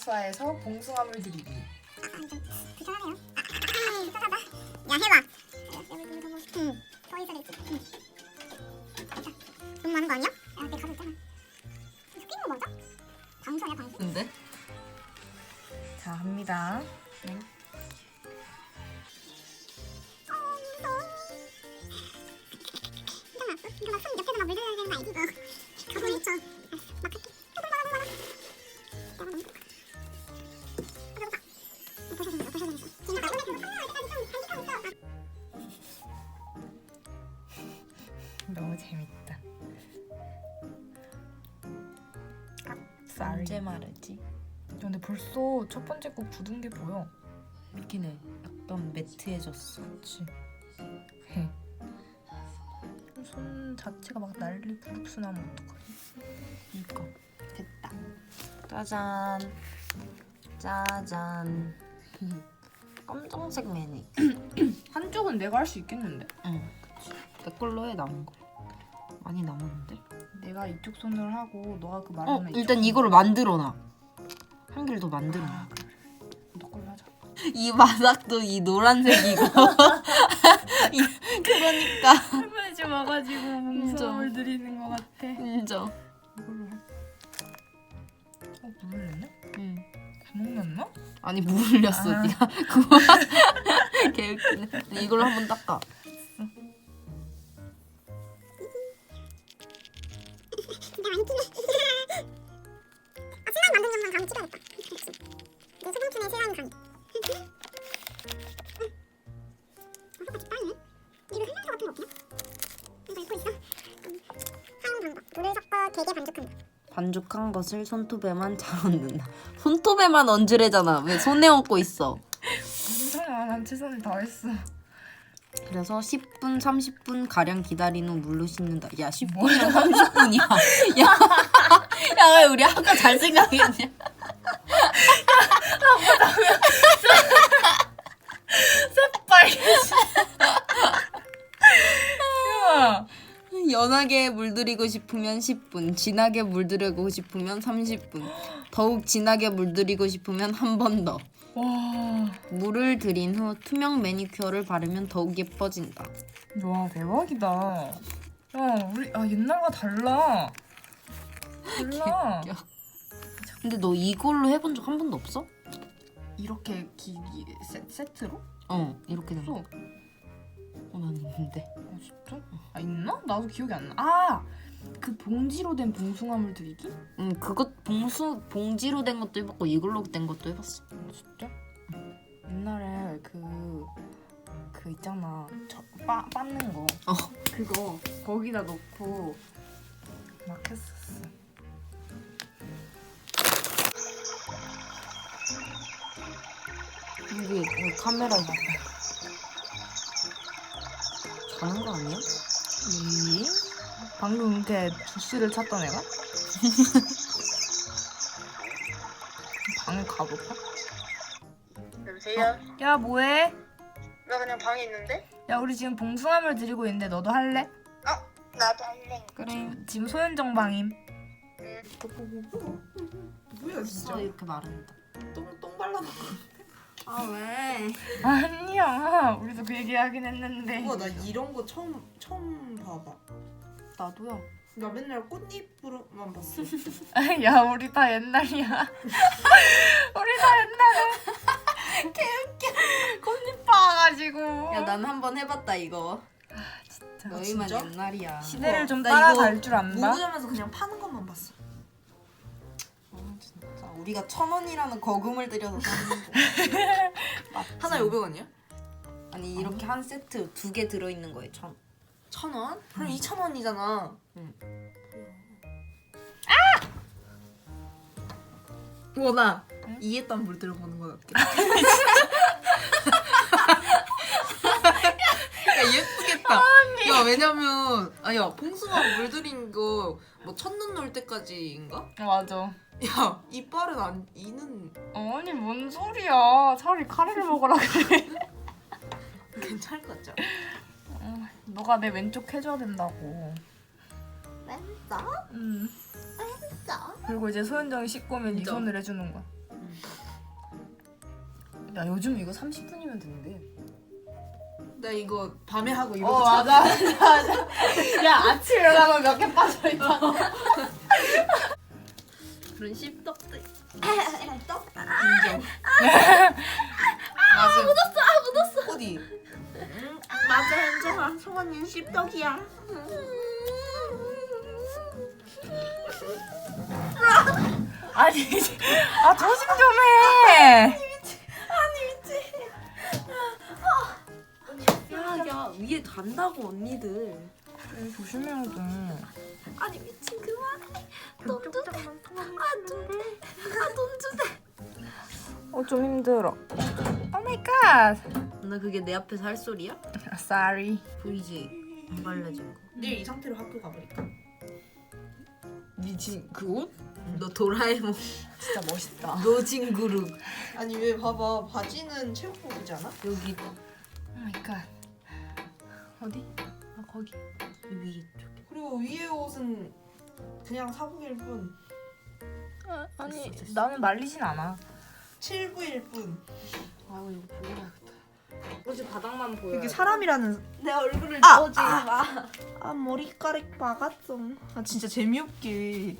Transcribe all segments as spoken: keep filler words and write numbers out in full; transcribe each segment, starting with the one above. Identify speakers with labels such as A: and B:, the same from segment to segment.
A: 아쿠아에서 봉숭아물 드리기.
B: 불편하네요. 불편하다. 야 해봐. 응. 서 있어야지. 응. 됐다. 너무 많은 거 아니야? 야, 내 가루 있잖아. 이거 끼는 거 맞아? 방수 아니야 방수?
C: 근데?
A: 자, 합니다.
C: 네.
B: 어 무서워. 괜찮아. 이거 막손 옆에서 막 물들여야 되는 거 알지? 어. 가만히 있죠. 알았어. 막 할게. 어, 너무 많아, 너무 많아. 내가 너무 똑같아. 어, 배고파. 어, 부셔야 되겠어, 부셔야 되겠어. 지금 나 손에 계속 컬러가 아직까지 좀 간직하고 있어.
A: 너무 재밌다.
C: 언제 마르지?
A: 야, 근데 벌써 첫 번째 거 굳은 게 보여.
C: 이렇게는 약간 매트해졌어.
A: 그렇지. 손 자체가 막 난리 부릅스 나면 어떡하지?
C: 이거 됐다. 짜잔. 짜잔. 검정색 매니.
A: 한쪽은 내가 할 수 있겠는데?
C: 응, 그치. 내 걸로 해 남은 거. 많이 남았는데?
A: 내가 이쪽 손으로 하고 너가 그
C: 어,
A: 말하는
C: 일단 이거를 만들어놔. 한 개를 더 만들어.
A: 아, 그래. 너 걸로 하자.
C: 이 바닥도 이 노란색이고. 이- 그러니까.
A: 할머니 와가지고
C: 봉숭아물
A: 드리는 것 같아.
C: 인정.
A: 이걸로 해. 어, 물 흘렸네?
C: 응.
A: 구멍 났나?
C: 아니 물 흘렸어.
A: 아.
C: 네가 그거 개웃기네. 이걸로 한번 닦아.
B: 진짜 많이 끼네. 아 슬라임 만든 것만 가면 찍어야겠다. 그렇지. 내 소방촌의 슬라임 강. 어, 똑같이 빠르네. 이거 설명서 같은 거 없냐? 이거 읽고 있어. 음. 사용 방법. 물을 섞어 되게 반죽한다.
C: 반죽한 것을 손톱에만 잘 얹는다. 손톱에만 얹으래잖아. 왜 손에 얹고 있어?
A: 괜찮아, 난 최선을 다했어.
C: 그래서 십 분, 삼십 분 가량 기다린 후 물로 씻는다. 야, 십
A: 뭐야?
C: 분이랑 삼십 분이야. 야, 야, 왜 우리 아까 잘 생각했냐?
A: 새빨개지. 야,
C: 연하게 물들이고 싶으면 십 분, 진하게 물들이고 싶으면 삼십 분, 더욱 진하게 물들이고 싶으면 한 번 더.
A: 와,
C: 물을 들인 후 투명 매니큐어를 바르면 더욱 예뻐진다.
A: 와 대박이다. 야, 우리 아 옛날과 달라. 달라.
C: 개웃겨. 근데 너 이걸로 해본 적 한 번도 없어?
A: 이렇게 기, 기 세, 세트로?
C: 어, 이렇게 된 거.
A: 없어.
C: 어, 난 있는데.
A: 아 진짜? 아 있나? 나도 기억이 안 나. 아, 그 봉지로 된 봉숭아물 드리기?
C: 응, 그것 봉수 봉지로 된 것도 해봤고 이걸로 된 것도 해봤어.
A: 아, 진짜? 옛날에 그, 그 있잖아. 저, 빠, 빻는 거.
C: 어.
A: 그거 거기다 넣고 막 했었어.
C: 이게 왜 카메라에 자는 거 아니야?
A: 이? 방금 이렇게 주스를 찾던 애가? 방에 가볼까?
D: 여보세요?
A: 야 뭐해?
D: 나 그냥 방에 있는데?
A: 야 우리 지금 봉숭아물 드리고 있는데 너도 할래?
D: 나도 할래.
C: 그래.
A: 지금 소현정 방임.
E: 뭐야 진짜?
C: 아, 이렇게 마른다.
E: 똥, 똥 발라놓고.
C: 아 왜?
A: 아니야 우리도 그 얘기 하긴 했는데.
E: 우와 나 이런 거 처음 처음 봐봐.
C: 나도야.
E: 나 맨날 꽃잎으로만 봤어.
A: 야 우리 다 옛날이야. 우리 다 옛날에 개웃겨. 꽃잎 봐가지고.
C: 야, 난 한번 해봤다 이거.
A: 진짜.
C: 너희만
E: 진짜?
C: 옛날이야.
A: 시대를 좀
E: 나
A: 따라갈
E: 이거
A: 줄 안다.
E: 무구점에서 그냥 파는 것만 봤어.
C: 아, 진짜. 우리가 천 원이라는 거금을 들여서 샀는데.
E: 하나에 오백 원이야?
C: 아니 이렇게 한 세트 두 개 들어있는 거에 천.
E: 천 원? 그럼 이천 원이잖아.
C: 응.
E: 원아
A: 응?
E: 이해딴 물 들어보는 건 어때? 야 예쁘겠다. 야 왜냐면 아야 봉숭아 물 들인 거 뭐 첫눈 올 때까지인가?
A: 맞아.
E: 야 이빨은 안 이는
A: 아니 뭔 소리야. 차라리 카레를 먹으라 그래.
E: 괜찮을 것 같죠?
A: 어, 너가 내 왼쪽 해줘야 된다고.
E: 왼쪽?
A: 응.
E: 왼쪽?
A: 그리고 이제 소현정이 씻고 오면 이
E: 인정.
A: 손을 해주는 거야.
E: 응.
A: 야 요즘 이거 삼십 분이면 된대.
E: 나 이거 밤에 하고 이러고
A: 어 맞아 맞아 맞아. 야 아침 일어나면 몇 개 빠져 있잖아.
C: 그런 씹덕들.
E: 씹떡? 인정. 맞아. 묻었어. 아 묻었어. 어디?
C: 맞아 현정아. 성원이는 씹덕이야.
A: 아니 아 조심 좀 해.
C: 야야 위에 간다고 언니들.
A: 조심해야 돼.
C: 아니 미친 그만해. 돈 주대. 아돈 돼. 아돈 주대.
A: 어 좀 힘들어. 오 마이 갓.
C: 나 그게 내 앞에서 할 소리야?
A: Sorry.
C: 보이지? 안 발라진 거.
E: 내일 이 상태로 학교 가버릴까?
A: 미친 그 옷?
C: 너 도라에몽
A: 진짜 멋있다.
C: 노진 그룹.
E: 아니 왜 봐봐 바지는 체육복이잖아?
C: 여기
A: 오 마이 갓. 어디? 아 거기.
C: 위에 쪽에.
E: 그리고 위에 옷은 그냥 사복일 뿐
A: 아, 아니
C: 됐어, 됐어.
A: 나는 말리진 않아.
E: 칠부일 뿐.
A: 아 이거 보여야겠다.
C: 어제 바닥만 보여.
E: 이게 사람이라는
C: 내 얼굴을
E: 아!
C: 보지 마.
E: 아 머리카락 막았어. 아 진짜 재미없게.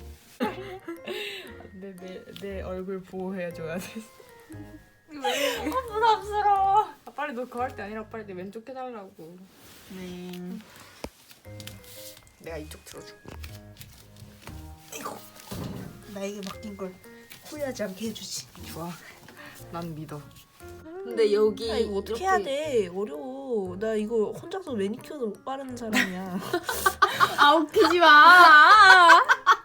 A: 내 내 내 얼굴 보호해줘야 돼. 왜? 아 부담스러워. 아, 빨리 너 그거 할 때 아니라 빨리 내 왼쪽 해달라고.
E: 네.
A: 내가 이쪽 들어줄게.
E: 이거 나에게 맡긴 걸 후회하지 않게 해주지.
A: 좋아. 난 믿어.
C: 근데 여기
E: 야, 이거 어떻게
C: 이렇게-
E: 해야 돼? 어려워. 나 이거 혼자서 매니큐어도 못 바르는 사람이야.
A: 아 웃기지 마.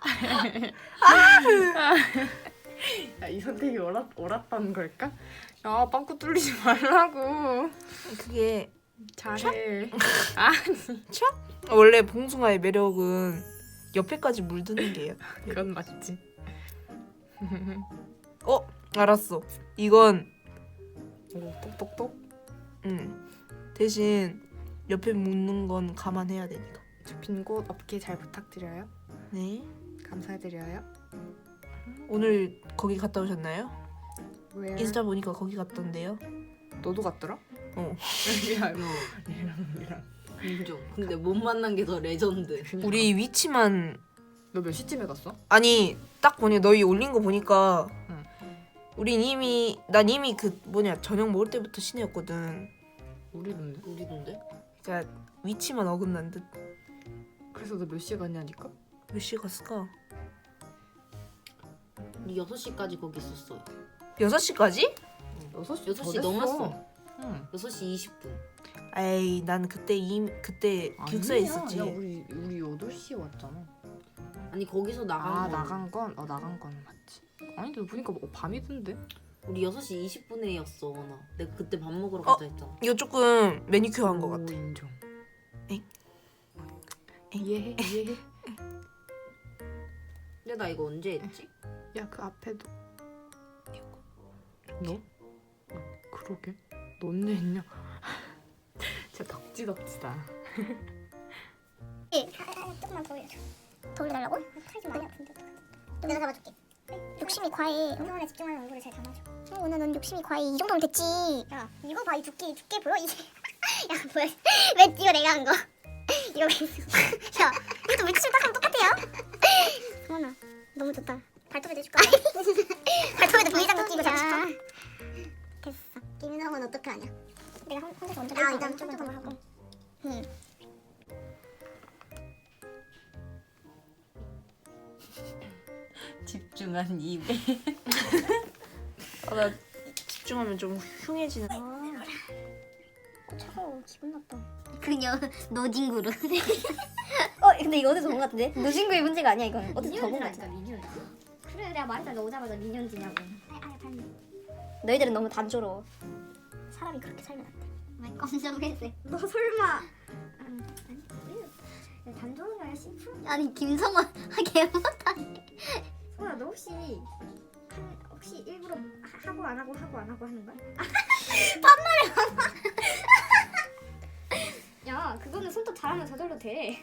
A: 야이 선택이 옳았 옳았다는 걸까? 야 빵꾸 뚫리지 말라고.
E: 그게
A: 잘해.
E: 원래 봉숭아의 매력은 옆에까지 물드는 게요.
A: 그건 맞지.
E: 어 알았어. 이건
A: 오 똑똑똑.
E: 응 대신 옆에 묻는 건 감안해야 되니까.
A: 빈곳 업계 잘 부탁드려요.
E: 네.
A: 감사드려요.
E: 오늘 거기 갔다 오셨나요?
A: 왜?
E: 인스타 보니까 거기 갔던데요.
A: 너도 갔더라?
E: 어.
A: 야, 너 얘랑 얘랑.
C: 인정. 근데 못 만난 게 더 레전드.
E: 우리 위치만
A: 너 몇 시쯤에 갔어?
E: 아니 딱 보니 너희 올린 거 보니까
A: 응.
E: 우린 이미 난 이미 그 뭐냐 저녁 먹을 때부터 시내였거든.
A: 우리던데.
C: 우리던데?
E: 그러니까 위치만 어긋난 듯.
A: 그래서 너 몇 시에 갔냐니까?
E: 몇 시에 갔을까?
C: 우리 여섯 시까지 거기 있었어요.
E: 여섯 시까지?
A: 여섯 시
C: 여섯 시 넘었어.
A: 응.
C: 여섯 시 이십 분.
E: 에이 난 그때 이 그때 기숙사에
A: 아니야.
E: 있었지.
A: 야 우리 우리 여덟 시에 왔잖아.
C: 아니 거기서 나간
A: 아
C: 거.
A: 나간 건? 어 나간 건 맞지. 아니 너 보니까 뭐 밤이던데?
C: 우리 여섯 시 이십 분에였어. 나. 내가 그때 밥 먹으러
E: 어?
C: 가자 했잖아.
E: 이거 조금 매니큐어 한 거
A: 오,
E: 같아.
A: 인정.
E: 엥?
A: 이해해 이해해.
C: 근데 나 이거 언제 했지?
A: 야 그 앞에도. 너? 어, 그러게. 너 언제 했냐? 진짜 덕지덕지다.
B: 예, 아, 조금만 더 올려줘. 더 올려달라고? 팔지 많이 아픈데 어떡하지? 내가 잡아줄게. 욕심이 과해. 운동에 집중하는 얼굴을 잘 담아줘. 어, 오늘 넌 욕심이 과해. 이 정도면 됐지. 야, 이거 봐. 이 두께, 이 두께 보여? 이게. 야, 뭐야? 왜 이거 내가 한 거? 이거 왜 있어? 야, 이것도 물티슈 딱 하면 똑같아요. 성원아, 너무 좋다. 발톱에도 해줄까? 발톱에도 분리장구 끼고 잡을까? 됐어. 김성은 어떻게 하냐? 내가 혼- 혼자서 먼저 아, 일단 좀 더 하고. 응.
C: 집중한 입에.
E: 아, 나 집중하면 좀 흉해지는.
B: 어, 차가워. 기분 나빠. 그녀 노진구루. 어 근데 이거 어디서 본 것 같은데? 노진구의 문제가 아니야 이건. 어디서 저본 것 같아. 그래 내가 말했잖아. 너 오자마자 미니언즈냐고. 아야 달리. 너희들은 너무 단조로워. 사람이 그렇게 살면 안 돼. 왜 깜짝 놀랐어. 너 설마. 음, 아니 단조로운 게 아니라 심플. 아니 김성원 하게 못하네. 성원아 너 혹시 한, 혹시 일부러 하, 하고 안 하고 하고 안 하고 하는 거야? 야, 그거는 손톱 잘하면 저절로 돼.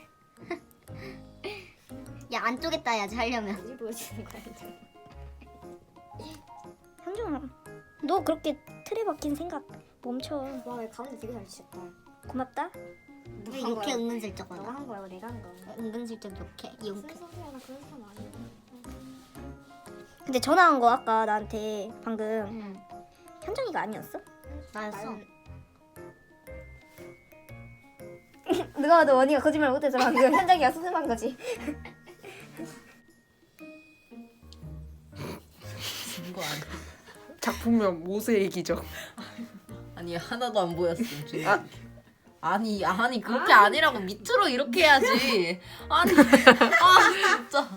B: 야, 안 쪼겠다, 야, 하려면. 어디 보여주는 거야, 현정아. 너 그렇게 틀에 박힌 생각 멈춰.
F: 와 가운데 되게 잘 치셨다.
B: 고맙다.
F: 왜 욕해 은근슬쩍
B: 너가
F: 하나?
B: 한 거야, 내가 한 거야.
F: 은근슬쩍 욕해 이용해.
B: 소리야, 나 그런 사람 아니야. 근데 전화한 거 아까 나한테 방금
F: 응.
B: 현정이가 아니었어?
F: 나였어.
B: 누가 봐도 원희가 거짓말 못해서 방금 현정이가 수습한 거지.
C: 진거 아니야?
E: 작품명 모세의 기적.
C: 아니 하나도 안 보였어. 아. 아니 아니 그렇게 아니라고 밑으로 이렇게 해야지. 아니 아 진짜.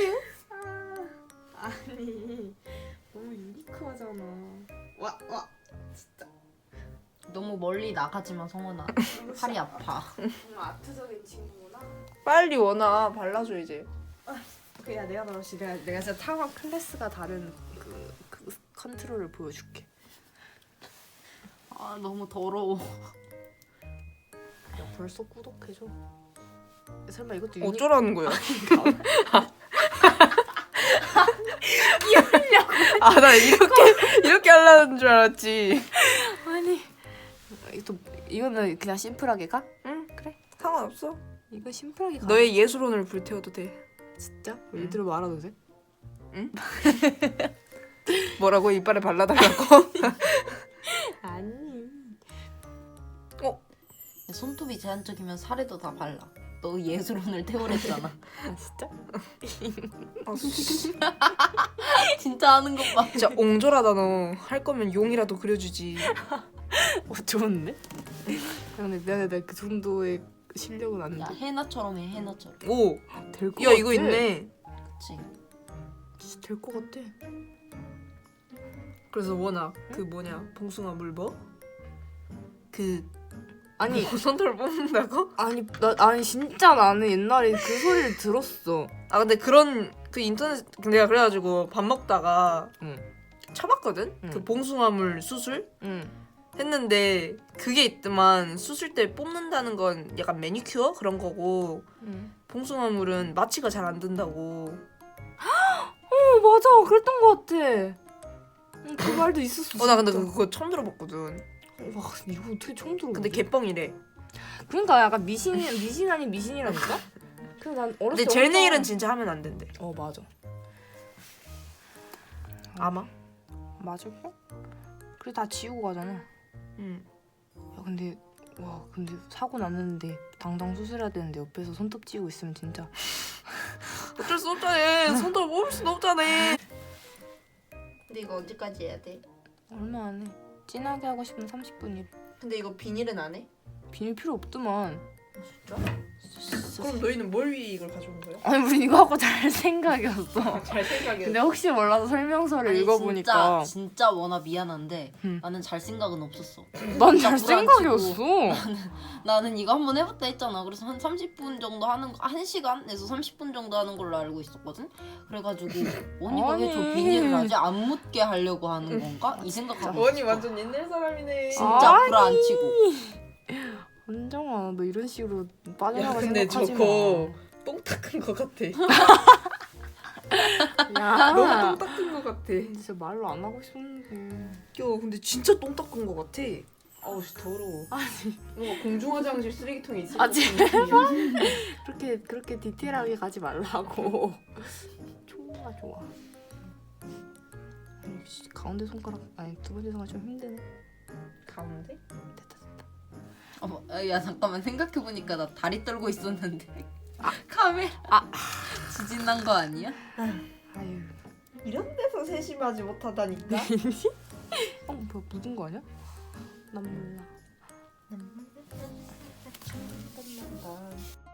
A: 아니 너무 유니크하잖아.
E: 와 와. 진짜.
C: 너무 멀리 나가지마 성원아. 팔이 아파.
A: 정말 아트적인 친구구나.
E: 빨리 원아 발라줘 이제.
A: 그야 내가 말없이 내가 내가 진짜 타워 클래스가 다른 그, 그 컨트롤을 보여줄게.
C: 아 너무 더러워.
A: 야 벌써 꾸덕해져. 설마 이것도 유니...
E: 어쩌라는 거야? 아 나 이렇게 이렇게 하려는 줄 알았지.
A: 아니 또 이거는 그냥 심플하게 가?
E: 응 그래 상관없어.
A: 이거 심플하게 가.
E: 너의 예술혼을 불태워도 돼.
A: 진짜? 얘들아 말아도 돼?
E: 뭐라고 이빨에 발라달라고?
A: 아니.
C: 손톱이 제한적이면 살에도 다 발라. 너 예술혼을 태우랬잖아.
A: 아 진짜?
E: 아, 씨.
C: 진짜 하는 것 봐.
E: 진짜 옹졸하다 너. 할 거면 용이라도 그려주지.
A: 어 좋은데? 근데 내가 내가 그 정도의 실력은 안
C: 야
A: 돼.
C: 해나처럼 해 해나처럼.
E: 오.
A: 될거
E: 야 이거 있네.
C: 그치.
A: 진짜 될 것 같아.
E: 그래서 원아 그 뭐냐 봉숭아 물버? 그
A: 아니
E: 손톱을 뽑는다고?
A: 아니 나 아니 진짜 나는 옛날에 그 소리를 들었어.
E: 아 근데 그런 그 인터넷 내가 그래가지고 밥 먹다가
A: 응.
E: 쳐봤거든?
A: 응.
E: 그 봉숭아물 수술?
A: 응.
E: 했는데 그게 있더만 수술 때 뽑는다는 건 약간 매니큐어 그런 거고
A: 응.
E: 봉숭아물은 마취가 잘 안 된다고.
A: 어 맞아 그랬던 것 같아. 응, 그 말도 있었어.
E: 어 나 근데
A: 진짜.
E: 그거 처음 들어봤거든.
A: 와 이거 어떻게 처음 들어?
E: 근데 개뻥이래.
A: 그러니까 약간 미신 미신 아닌 미신이라니까? 그래서 난 어렸을
E: 근데
A: 때
E: 젤
A: 엄청-
E: 네일은 진짜 하면 안 된대.
A: 어 맞아.
E: 아마.
A: 맞을까? 그래 다 지우고 가잖아.
E: 응.
A: 야 근데 와 근데 사고 났는데 당장 수술해야 되는데 옆에서 손톱 찌우고 있으면 진짜
E: 어쩔 수 없잖아. 손톱 뽑을 순 없잖아.
C: 근데 이거 언제까지 해야 돼?
A: 얼마 안 해. 진하게 하고 싶으면 삼십 분이래.
C: 근데 이거 비닐은 안 해?
A: 비닐 필요 없더만.
E: 진짜? 그럼 너희는 뭘 위해 이걸 가져온 거야?
A: 아니 우리 이거 하고 잘 생각이었어.
E: 잘 생각해.
A: 근데 혹시 몰라서 설명서를
C: 아니,
A: 읽어보니까
C: 진짜, 진짜 원아 미안한데
A: 응.
C: 나는 잘 생각은 없었어.
A: 난
C: 진짜
A: 잘
C: 불안치고.
A: 생각이었어.
C: 나는 이거 한번 해봤다 했잖아. 그래서 한 삼십 분 정도 하는 거, 한 시간에서 삼십 분 정도 하는 걸로 알고 있었거든. 그래가지고 언니가 왜 저
A: 아니.
C: 비닐을 하지? 안 묻게 하려고 하는 건가? 이 생각하고
E: 원이
C: 있었어.
E: 완전 옛날 사람이네.
C: 진짜
A: 아니.
C: 불안치고.
A: 은정아 너 이런 식으로
E: 야
A: 빠져나가
E: 근데
A: 생각하지
E: 저거 똥 닦은 거 같아.
A: 마. 야
E: 너무 똥 닦은 거 같아.
A: 진짜 말로 안 하고 싶었는데.
E: 야 근데 진짜 똥 닦은 거 같아. 아우 씨 더러워. 아니 뭔가 공중화장실 쓰레기통에 있을
A: 아,
E: 것 같은 느낌이야.
A: 그렇게 그렇게 디테일하게 가지 말라고. 좋아 좋아. 아니, 씨, 가운데 손가락 아니 두 번째 손가락 좀 힘드네.
E: 가운데?
A: 됐다 됐다.
C: 어머, 야 잠깐만 생각해보니까 나 다리 떨고 있었는데 카메라
A: 아.
C: 지진 난 거 아니야?
A: 아유.
E: 이런 데서 세심하지 못하다니까.
A: 어 뭐야 묻은 거 아니야? 난 몰라.
E: 난